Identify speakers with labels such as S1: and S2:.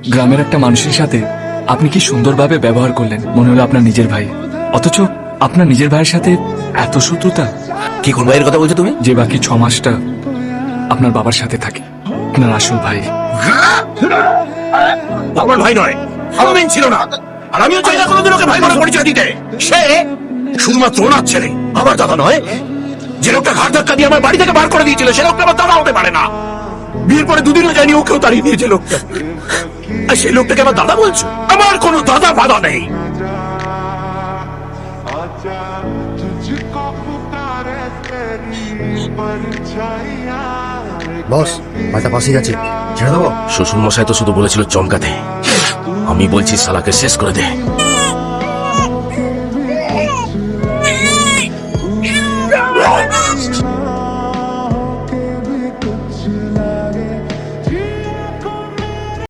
S1: গ্রামের একটা মানুষের সাথে আপনি কি সুন্দরভাবে ব্যবহার করলেন, মনে হলো আপনার নিজের ভাই, অথচ আপনার নিজের ভাইয়ের সাথে এত শত্রুতা।
S2: কি কোন ভাইয়ের কথা বলছো তুমি?
S1: যে বাকি 6 মাসটা আপনার বাবার সাথে থাকে, আপনার আসল ভাই।
S2: আমার ভাই নয়, আমিন ছিল না, আর আমিও চাই না কোনোদিন ওকে ভাই বলে পরিচয় দিতে। সে শুধুমাত্র ওনার ছেলে, আমার দাদা নয়। যে লোকটা ঘাট ধাক্কা দিয়ে আমার বাড়ি থেকে বার করে দিয়েছিল, সে লোকটা আমার দাদা হতে পারে না। বিয়ের পরে দুদিনও যায়নি, ওকেও তাড়িয়ে দিয়েছে লোকটা। আর সেই লোকটাকে আমার দাদা বলছো? আমার কোনো দাদা ফাদা নেই।
S3: বস, মালটা পাশেই আছে, ছেড়ে দেবো?
S2: শ্বশুর মশাই তো শুধু বলেছিল চমকাতে, আমি বলছি শালাকে শেষ করে দে।